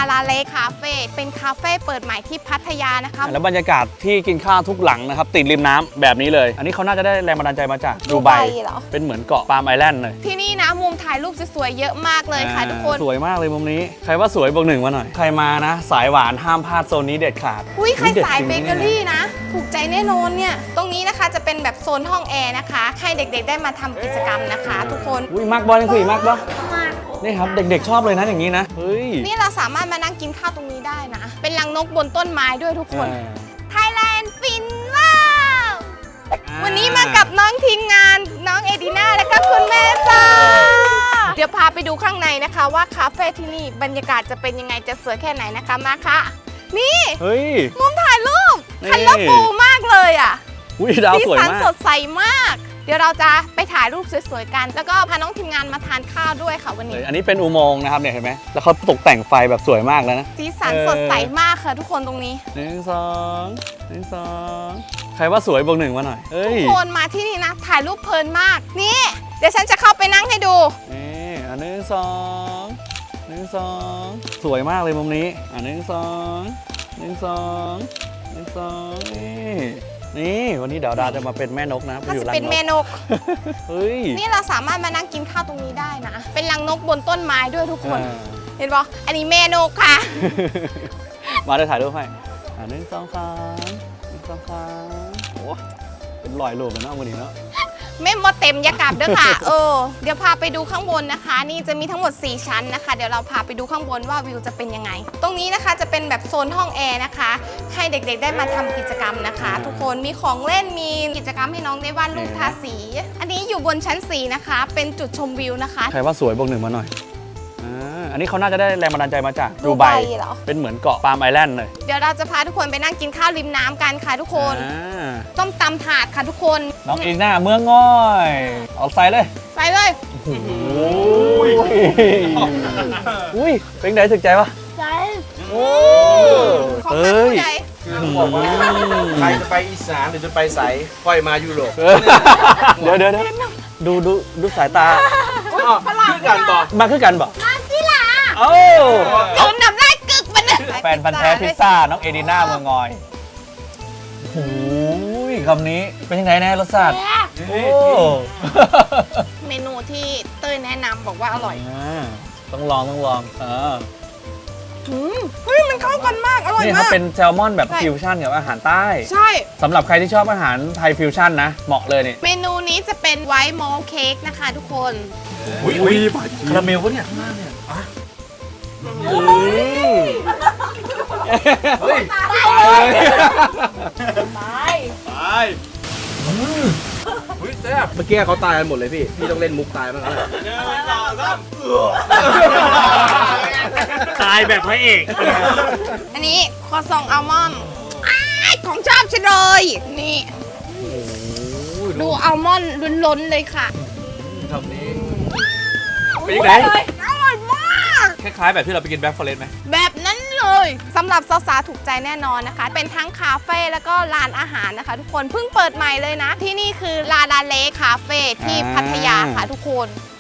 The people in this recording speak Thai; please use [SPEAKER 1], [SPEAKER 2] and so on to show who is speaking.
[SPEAKER 1] ลาเล่คาเฟ่เป็นคาเฟ่เปิดใหม่ที่พัทยานะคะ
[SPEAKER 2] แล้วบรรยากาศที่กินข้าวทุกหลังนะครับติดริมน้ำแบบนี้เลยอันนี้เขาน่าจะได้แรงบันดาลใจมาจากดูไบ
[SPEAKER 1] เหรอ
[SPEAKER 2] เป็นเหมือนเกาะปาล์มไอแลนด์เลย
[SPEAKER 1] ที่นี่นะมุมถ่ายรูปสวยๆเยอะมากเลยค่ะทุกคน
[SPEAKER 2] สวยมากเลยมุมนี้ใครว่าสวยบอกหนึ่งมาหน่อยใครมานะสายหวานห้ามพลาดโซนนี้เด็ดขาด
[SPEAKER 1] อุ้ยใครสายเบเกอรี่นะถูกใจแน่นอนเนี่ยตรงนี้นะคะจะเป็นแบบโซนห้องแอร์นะคะให้เด็กๆได้มาทำกิจกรรมนะคะทุกคน
[SPEAKER 2] อุ้ยมากบอลยังคุยมากบอลนี่ครับเด็กๆชอบเลยนะอย่างนี้นะเฮ้ย
[SPEAKER 1] นี่เราสามารถมานั่งกินข้าวตรงนี้ได้นะเป็นรังนกบนต้นไม้ด้วยทุกคนไทยแลนด์ฟินว้าววันนี้มากับน้องทีมงานน้องเอดิน่าและก็คุณแม่จ้าเดี๋ยวพาไปดูข้างในนะคะว่าคาเฟ่ที่นี่บรรยากาศจะเป็นยังไงจะสวยแค่ไหนนะคะมาค่ะนี่มุมถ่ายรูปคันละฟูมากเลยอ่ะ
[SPEAKER 2] สีสัน
[SPEAKER 1] สดใสมากเดี๋ยวเราจะไปถ่ายรูปสวยๆกันแล้วก็พาน้องทีมงานมาทานข้าวด้วยค่ะวันนี้
[SPEAKER 2] อันนี้เป็นอุโมงค์นะครับเนี่ยเห็นไหมแล้วเขาตกแต่งไฟแบบสวยมากแล้วนะ
[SPEAKER 1] สีสันสดใสมากค่ะทุกคนตรงนี้
[SPEAKER 2] ใครว่าสวยบอกหนึ่งมาหน่อย
[SPEAKER 1] ทุกคนมาที่นี่นะถ่ายรูปเพลินมากนี่เดี๋ยวฉันจะเข้าไปนั่งให้ดู
[SPEAKER 2] นี่1 2สวยมากเลยมุมนี้1 2นี่วันนี้เดี๋ยวดาจะมาเป็นแม่นกนะ
[SPEAKER 1] ถ้าจะเป็นแม่นกนี่เราสามารถมานั่งกินข้าวตรงนี้ได้นะเป็นรังนกบนต้นไม้ด้วยทุกคนเห็นปะอันนี้แม่นกค่ะ
[SPEAKER 2] มาได้ถ่ายรูปให้1 2 3โอ้เป็นรอยโลกเลยนะวันนี้เนาะ
[SPEAKER 1] ไม่หมดเต็มยากาศด้วยค่ะเดี๋ยวพาไปดูข้างบนนะคะนี่จะมีทั้งหมด4ชั้นนะคะเดี๋ยวเราพาไปดูข้างบนว่าวิวจะเป็นยังไงตรงนี้นะคะจะเป็นแบบโซนห้องแอร์นะคะให้เด็กๆได้มาทำกิจกรรมนะคะทุกคนมีของเล่นมีกิจกรรมให้น้องได้วาดรูปทาสีอันนี้อยู่บนชั้น4นะคะเป็นจุดชมวิวนะคะ
[SPEAKER 2] ใครว่าสวยบอกหนึ่งมาหน่อยอันนี้เขาน่าจะได้แรงบันดาลใจมาจากดูไบ
[SPEAKER 1] เหรอ
[SPEAKER 2] เป็นเหมือนเกาะปาล์มไอแลนด์เลย
[SPEAKER 1] เดี๋ยวเราจะพาทุกคนไปนั่งกินข้าวริมน้ำกันค่ะทุกคนต้มตำถาดค่ะทุกคน
[SPEAKER 2] น้องอีน่าเมืองง่อยเอาใส่เลยอุ้ยเป็นไงถึกใจปะ
[SPEAKER 1] ใจ
[SPEAKER 2] เฮ้ย
[SPEAKER 3] บอกว่าใครจะไปอีสานหรือจะไปใสค่อยมายุโรป
[SPEAKER 2] เดี๋ยวดูสายตา
[SPEAKER 3] คือกันบอก
[SPEAKER 2] มาคือกันบอก
[SPEAKER 1] มาสิล่ะ
[SPEAKER 2] ตื่
[SPEAKER 1] นน้ำลายกึกมัน
[SPEAKER 2] แฟนพันธุ์แท้พิซซ่าน้องเอดิน่าเมืองงอยโอ้ยคำนี้เป็นยังไงแน่รสชาติ
[SPEAKER 1] เมนูที่เต้ยแนะนำบอกว่าอร่อย
[SPEAKER 2] ต้องลอง
[SPEAKER 1] เฮ้ยมันเข้ากันมากอร่อยมาก
[SPEAKER 2] นี่เขาเป็นแซลมอนแบบฟิวชั่นกับอาหารใต้
[SPEAKER 1] ใช่
[SPEAKER 2] สำหรับใครที่ชอบอาหารไทยฟิวชั่นนะเหมาะเลยนี่
[SPEAKER 1] เมนูนี้จะเป็นไวท์มอลเค้กนะคะทุกคน
[SPEAKER 3] อุ้ยคาราเมลวะเนี่ยข้างล่างเนี่ย
[SPEAKER 1] ตาย
[SPEAKER 3] แซ่บเมื่อกี้เขาตายกันหมดเลยพี่ต้องเล่นมุกตายบ้างแล้ว
[SPEAKER 2] ตายแบบพระเอก
[SPEAKER 1] อันนี้คอซองอัลมอนด์ของชอบฉันเลยนี่ดูอัลมอนด์ล้นๆเลยค่ะ
[SPEAKER 3] ทำนี้เป็นยังไง
[SPEAKER 1] อร่อยมาก
[SPEAKER 3] คล้ายๆแบบที่เราไปกินแบ็คฟอเรสต์ไหม
[SPEAKER 1] แบบนั้นเลยสำหรับสาวๆถูกใจแน่นอนนะคะเป็นทั้งคาเฟ่แล้วก็ร้านอาหารนะคะทุกคนเพิ่งเปิดใหม่เลยนะที่นี่คือลาเล่คาเฟ่ที่พัทยาค่ะทุกคน